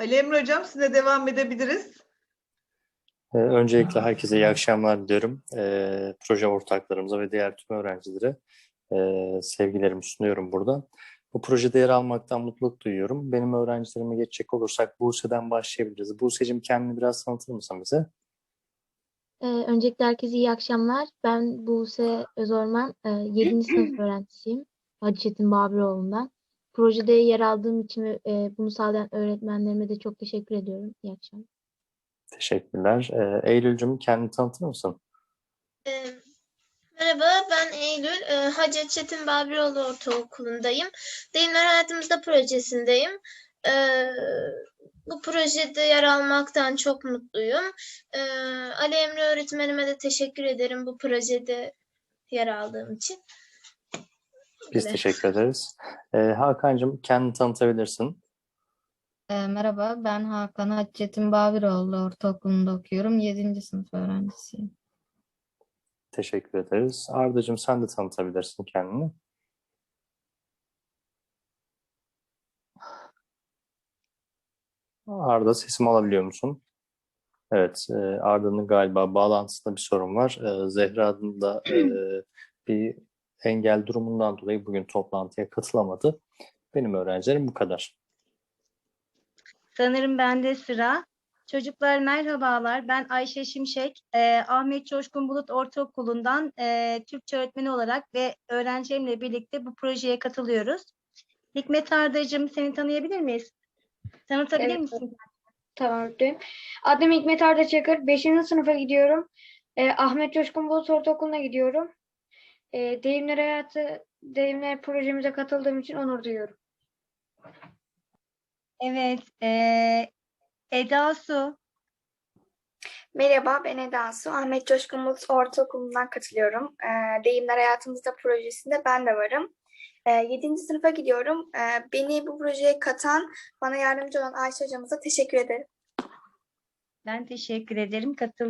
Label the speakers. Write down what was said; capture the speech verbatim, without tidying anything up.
Speaker 1: Ali Emre Hocam, size devam edebiliriz.
Speaker 2: Ee, Öncelikle herkese iyi akşamlar diliyorum. Ee, proje ortaklarımıza ve diğer tüm öğrencilere e, sevgilerimi sunuyorum burada. Bu projede yer almaktan mutluluk duyuyorum. Benim öğrencilerime geçecek olursak Buse'den başlayabiliriz. Buse'cim kendini biraz tanıtır mısın bize?
Speaker 3: Ee, öncelikle herkese iyi akşamlar. Ben Buse Özorman, e, yedinci sınıf öğrencisiyim. Hacı Çetin Babiroğlu'ndan. Projede yer aldığım için ve e, bunu sağlayan öğretmenlerime de çok teşekkür ediyorum. İyi akşamlar.
Speaker 2: Teşekkürler. Ee, Eylül'cüm kendini tanıtır mısın?
Speaker 4: Ee, Merhaba, ben Eylül. Ee, Hacı Çetin Babiroğlu Ortaokulu'ndayım. Deyimler Hayatımızda projesindeyim. Ee, bu projede yer almaktan çok mutluyum. Ee, Ali Emre öğretmenime de teşekkür ederim bu projede yer aldığım için.
Speaker 2: Biz
Speaker 4: Evet.
Speaker 2: teşekkür ederiz. Ee, Hakan'cığım kendini tanıtabilirsin.
Speaker 5: E, merhaba, ben Hakan Hacettin Babiroğlu Ortaokulu'nda okuyorum. Yedinci sınıf öğrencisiyim.
Speaker 2: Teşekkür ederiz. Arda'cığım sen de tanıtabilirsin kendini. Arda sesimi alabiliyor musun? Evet, e, Arda'nın galiba bağlantısında bir sorun var. E, Zehra'nın da e, bir engel durumundan dolayı bugün toplantıya katılamadı. Benim öğrencilerim bu kadar.
Speaker 6: Sanırım bende sıra. Çocuklar merhabalar. Ben Ayşe Şimşek. Ee, Ahmet Coşkun Bulut Ortaokulu'ndan e, Türkçe öğretmeni olarak ve öğrencilerimle birlikte bu projeye katılıyoruz. Hikmet Arda'cığım, seni tanıyabilir miyiz? Tanıtabilir
Speaker 7: Evet.
Speaker 6: misin?
Speaker 7: Tamam. öğretmenim. Adım Hikmet Arda Çakır. beşinci sınıfa gidiyorum. Ee, Ahmet Coşkun Bulut Ortaokulu'na gidiyorum. Ee, Deyimler Hayatı, Deyimler projemize katıldığım için onur duyuyorum.
Speaker 6: Evet. E, Eda Su.
Speaker 8: Merhaba, ben Eda Su. Ahmet Coşkun Bulut Ortaokulu'ndan katılıyorum. Ee, Deyimler Hayatımızda projesinde ben de varım. Ee, yedinci sınıfa gidiyorum. Ee, beni bu projeye katan, bana yardımcı olan Ayşe hocamıza teşekkür ederim.
Speaker 6: Ben teşekkür ederim. Katıl